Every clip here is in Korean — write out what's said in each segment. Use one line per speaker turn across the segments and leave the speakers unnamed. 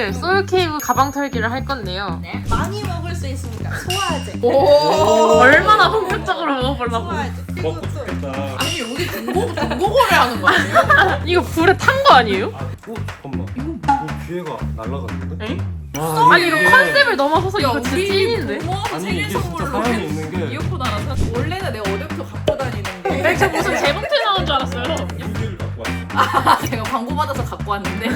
오늘 솔케이브 가방 털기를 할 건데요.
네. 많이 먹을 수 있으니까 소화제.
얼마나 본격적으로 먹어보려고.
소화제. 그리고
먹고
또
좋겠다.
아니 여기 중고거래 하는 거 아니에요?
이거 불에 탄 거 아니에요?
잠깐만. 이거 기회가 날라갔는데?
엥?
와,
아니 이거 컨셉을 넘어서서 이거 진짜 찐인데?
부모한테
아니
생일
이게 진짜
선물로
사연이 있는 게
이어폰 하나 사. 원래는 내가 어제부터 갖고 다니는데
네, 저 무슨 재봉틀 나온 줄 알았어요.
유기를 갖고 왔어.
제가 광고 받아서 갖고 왔는데.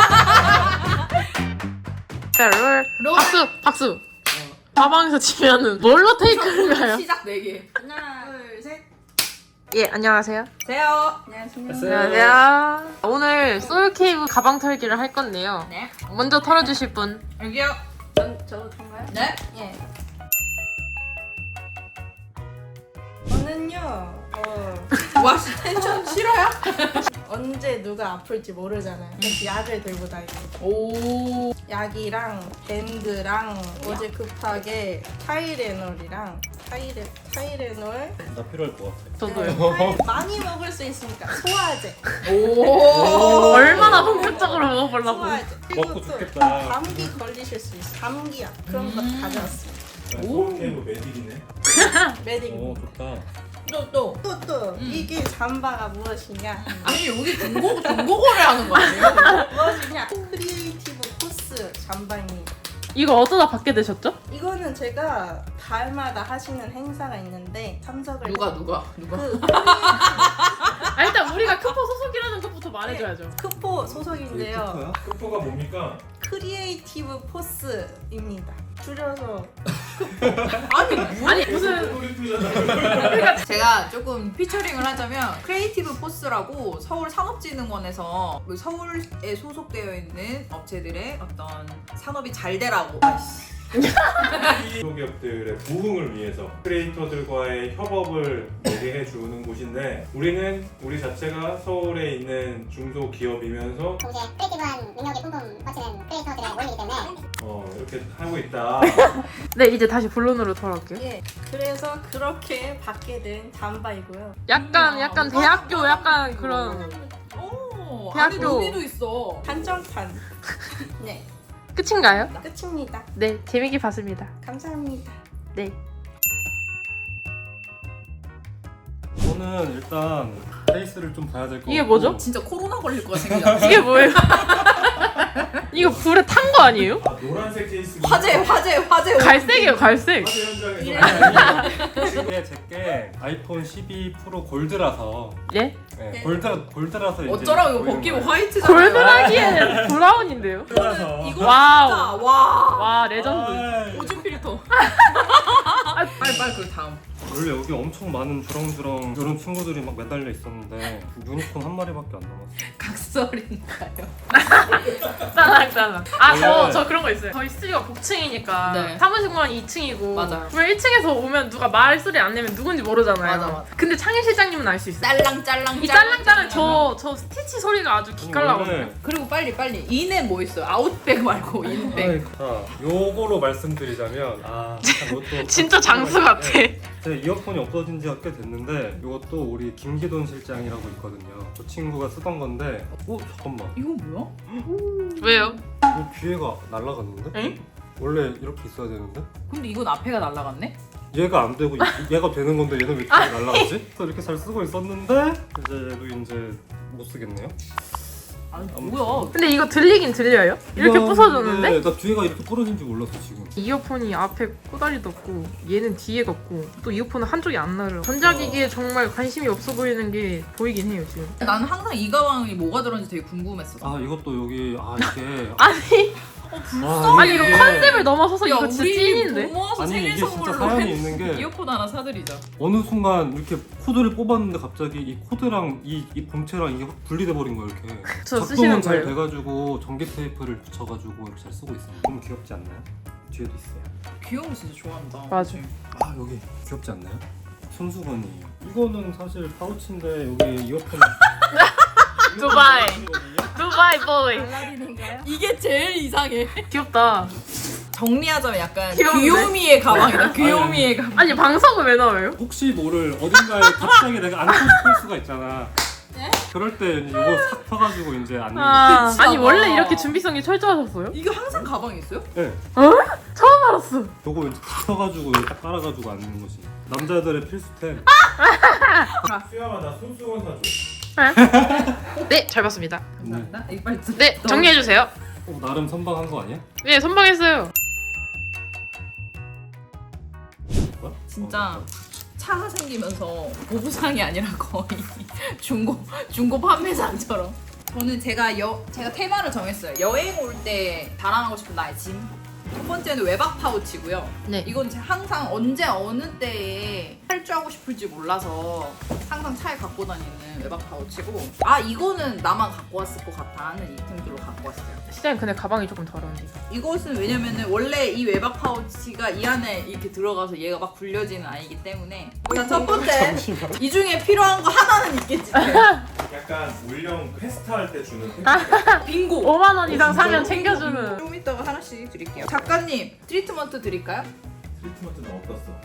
자, 롤. 박수. 가방에서 치면은 뭘로 테이크인가요?
시작 4개.
하나, 둘, 셋.
예, 안녕하세요.
세요.
안녕하세요.
안녕하세요. 오늘 솔케이브 가방 털기를 할 건데요.
네.
먼저 털어주실 분.
여기요.
저도 통가요?
네.
예. 저는요.
와, 씨, 텐션 싫어요?
언제 누가 아플지 모르잖아요. 그래서 약을 들고 다니고.
오.
약이랑 밴드랑 어제 급하게 타이레놀이랑 타이레놀
나 필요할 것 같아.
저도요.
많이 먹을 수 있으니까 소화제.
오.
얼마나 본격적으로 먹어보려고.
소화제. 그리고
먹고
또
좋겠다.
감기 걸리실 수 있어. 감기약 그런 거 가져왔어요.
솔케이브 메딜이네.
메딕.
오 좋다.
또.
또 이게 잠바가 무엇이냐?
아니 여기 중고거래 하는 거 아니에요?
무엇이냐? 크리에이티브 포스 잠바입니다.
이거 어쩌다 받게 되셨죠?
이거는 제가 달마다 하시는 행사가 있는데 참석을
누가?
그
아, 일단 우리가 크포 소속이라는 것부터 말해줘야죠.
크포 소속인데요.
크포가 뭡니까?
크리에이티브 포스입니다. 줄여서
아니 무슨
놀이터잖아.
제가 조금 피처링을 하자면 크리에이티브 포스라고 서울 산업진흥원에서 서울에 소속되어 있는 업체들의 어떤 산업이 잘 되라고. 아이씨.
중소기업들의 부흥을 위해서 크리에이터들과의 협업을 매개해 주는 곳인데 우리 자체가 서울에 있는 중소기업이면서
동시에 크리에이티브한 능력이 뿜뿜 뻗치는 크리에이터들의 모임이기 때문에
이렇게 하고 있다.
네, 이제 다시 본론으로 돌아올게요.
예. 그래서 그렇게 받게 된 잠바이고요.
약간 대학교 약간 그런
오.
대학교.
안에 루비도 있어.
한정판. 네.
끝인가요?
끝입니다.
네, 재밌게 봤습니다.
감사합니다.
네.
저는 일단 페이스를 좀 봐야 될 것 같고
이게 뭐죠?
진짜 코로나 걸릴 것 같은 생각.
이게 뭐예요? 이거 불에 탄 거 아니에요?
아 노란색 케이스
화재.
갈색이에요, 갈색.
현장에서 이게 제게 아이폰 12 프로 골드라서
예?
네, 골드라서 이제
어쩌라고 이거
보이는
벗기고
거예요.
화이트잖아요.
골드라기에 브라운인데요?
골드라서
이거
와우.
진짜 와.
와, 레전드.
아이,
오줌 필터. 빨리 그 다음.
원래 여기 엄청 많은 주렁주렁 이런 친구들이 막 매달려 있었는데 유니콘 한 마리밖에 안 남았어.
각설인가요?
짜장. 아,
원래-
저 그런 거 있어요. 저희 스튜디오가 복층이니까
네.
사무실만 2층이고
맞아요.
왜 1층에서 오면 누가 말소리 안 내면 누군지 모르잖아요.
맞아.
근데 창일 실장님은 알 수 있어요.
짤랑짤랑.
이 짤랑짤랑 저 스티치 소리가 아주 기깔나거든요.
원래-
그리고 빨리 인에 뭐 있어요? 아웃백 말고 인백.
자, 요거로 말씀드리자면 이것도
진짜 장수 같아.
제 이어폰이 없어진 지가 꽤 됐는데 이것도 우리 김기돈 실장이라고 있거든요. 그 친구가 쓰던 건데 잠깐만
이거 뭐야?
왜요?
이거 기회가 날라갔는데?
엥?
원래 이렇게 있어야 되는데?
근데 이건 앞에가 날라갔네?
얘가 안 되고 얘가 되는 건데 얘는 왜 기회가 날라가지? 그래서 이렇게 잘 쓰고 있었는데 이제 못 쓰겠네요.
아니
아무튼.
뭐야?
근데 이거 들리긴 들려요? 이렇게 부서졌는데?
나 뒤에가 이렇게 부러진 줄 몰랐어 지금.
이어폰이 앞에 꼬다리도 없고 얘는 뒤에가 없고 또 이어폰은 한쪽이 안 나려. 전자기기에 정말 관심이 없어 보이는 게 보이긴 해요 지금.
나는 항상 이 가방이 뭐가 들었는지 되게 궁금했어.
이것도 여기 이게
아니 아니 이거
이게-
컨셉을 넘어서서
야
이거 진짜
우리
찐인데?
부모와서
아니,
생일
이게 진짜
선물로
사연이 있는 게
이어폰 하나 사드리자.
어느 순간 이렇게 코드를 뽑았는데 갑자기 이 코드랑 이 본체랑 이게 확 분리돼 버린 거야 이렇게.
저 쓰시는
작동은 잘
거예요?
돼가지고 전기 테이프를 붙여가지고 이렇게 잘 쓰고 있어요. 너무 귀엽지 않나요? 뒤에도 있어요.
귀여운 거 진짜 좋아한다.
맞아.
여기 귀엽지 않나요? 손수건이에요. 이거는 사실 파우치인데 여기 이어폰.
두바이. 두바이 보이.
알라딘인가요?
이게 제일 이상해.
귀엽다.
정리하자면 약간
귀여운데?
귀요미의 가방이다. 귀요미의 가방.
아니 방석은 왜 나와요?
혹시 모를 어딘가에 갑자기 내가 안고 싶을 수가 있잖아. 그럴 때 이거 싹 펴가지고 이제 앉는
아,
거지.
아니 원래 이렇게 준비성이 철저하셨어요?
이거 항상 가방에 있어요?
네.
처음 알았어.
요거 이제 탁 펴가지고 여기 딱 깔아가지고 앉는 거지. 남자들의 필수템.
수야마 나 손수건 사줘.
네, 잘 봤습니다.
감사합니다. 이거 빨리
네, 정리해 주세요.
나름 선방한 거 아니야?
네, 선방했어요.
뭐야?
진짜 차가 생기면서 보부상이 아니라 거의 중고 판매상처럼. 저는 제가 테마를 정했어요. 여행 올 때 자랑하고 싶은 나의 짐. 첫 번째는 외박 파우치고요.
네.
이건 제가 항상 언제 어느 때에 탈주하고 싶을지 몰라서 항상 차에 갖고 다니는 외박 파우치고, 아 이거는 나만 갖고 왔을 것 같아 하는 이템들로 갖고 왔어요.
시장님 근데 가방이 조금 더러운데.
이것은 왜냐면은 원래 이 외박 파우치가 이 안에 이렇게 들어가서 얘가 막 굴려지는 아이기 때문에. 자, 첫 번째, 이 중에 필요한 거 하나는 있겠지.
약간 올영 페스타 할 때 주는 팩.
빙고.
5만 원 이상 사면 챙겨주는.
좀 이따가 하나씩 드릴게요. 작가님 트리트먼트 드릴까요?
트리트먼트는 어떻어?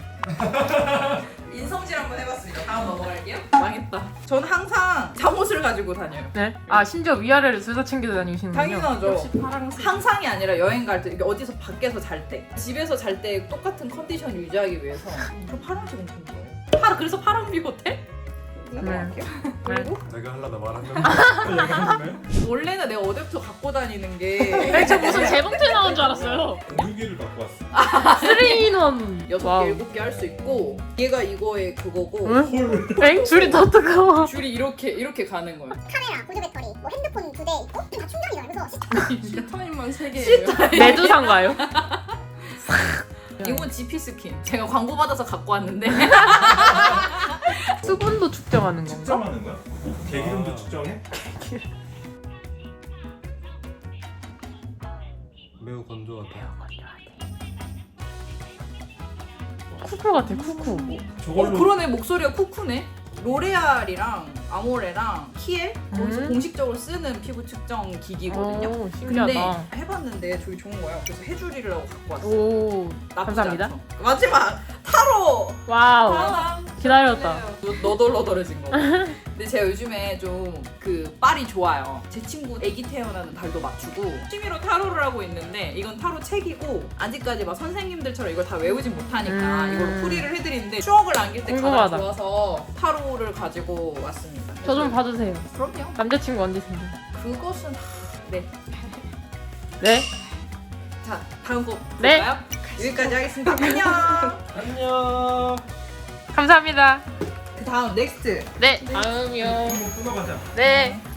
인성질 한번 해봤습니다. 다음 넘어갈게요. 망했다. 전 항상 잠옷을 가지고 다녀요.
네. 아 심지어 위아래를 둘 다 챙겨 다니시는군요.
당연하죠.
파랑색.
항상이 아니라 여행 갈 때, 이게 어디서 밖에서 잘 때, 집에서 잘 때 똑같은 컨디션 유지하기 위해서. 저 파란색은 좀 좋아요. 그래서 파란 비호텔? 넘어갈게요. 그리고
내가 하려다 말았는데 얘기하는데?
원래는 내가 어제부터 갖고 다니는 게
저 무슨 재봉틀 나온 줄 알았어요.
공유기를 갖고 왔어.
3인원.
6개, 7개 할 수 있고, 얘가 이거의 그거고,
응? 엥? 줄이 더 뜨거워.
줄이 이렇게 가는 거예요.
카메라, 보조 배터리, 뭐 핸드폰 2대 있고 다 충전이죠. 그래서
시타임만 3개예요.
메두사인가요?
이건 GP 스킨. 제가 광고 받아서 갖고 왔는데.
수분도 측정하는 건가?
측정하는 거야? 개기름도 측정해?
매우 건조하다.
쿠쿠 같아, 쿠쿠.
저걸로
그러네, 목소리가 쿠쿠네. 로레알이랑 아모레랑 키엘 거기서
음.
공식적으로 쓰는 피부 측정 기기거든요.
오,
근데
신기하다.
해봤는데 저기 좋은 거예요. 그래서 해주리라고 갖고 왔어요.
오,
나쁘지
감사합니다.
않죠? 마지막 타로.
와우.
아,
기다렸다.
너덜너덜해진 거. 근데 제가 요즘에 좀 그 빨이 좋아요. 제 친구 아기 태어나는 달도 맞추고 취미로 타로를 하고 있는데, 이건 타로 책이고 아직까지 막 선생님들처럼 이걸 다 외우진 못하니까 이걸로 풀이를 해드리는데 추억을 남길 때 가장
궁금하다.
좋아서 타로를 가지고 왔습니다.
저 좀 봐주세요.
그럼요.
남자친구 언제 생겨?
그것은 네.
네?
자, 다음 곡
네.
볼까요? 여기까지 하겠습니다. 안녕.
안녕.
감사합니다.
그 다음 넥스트.
네. 다음이요.
한번 끊어가자.
네.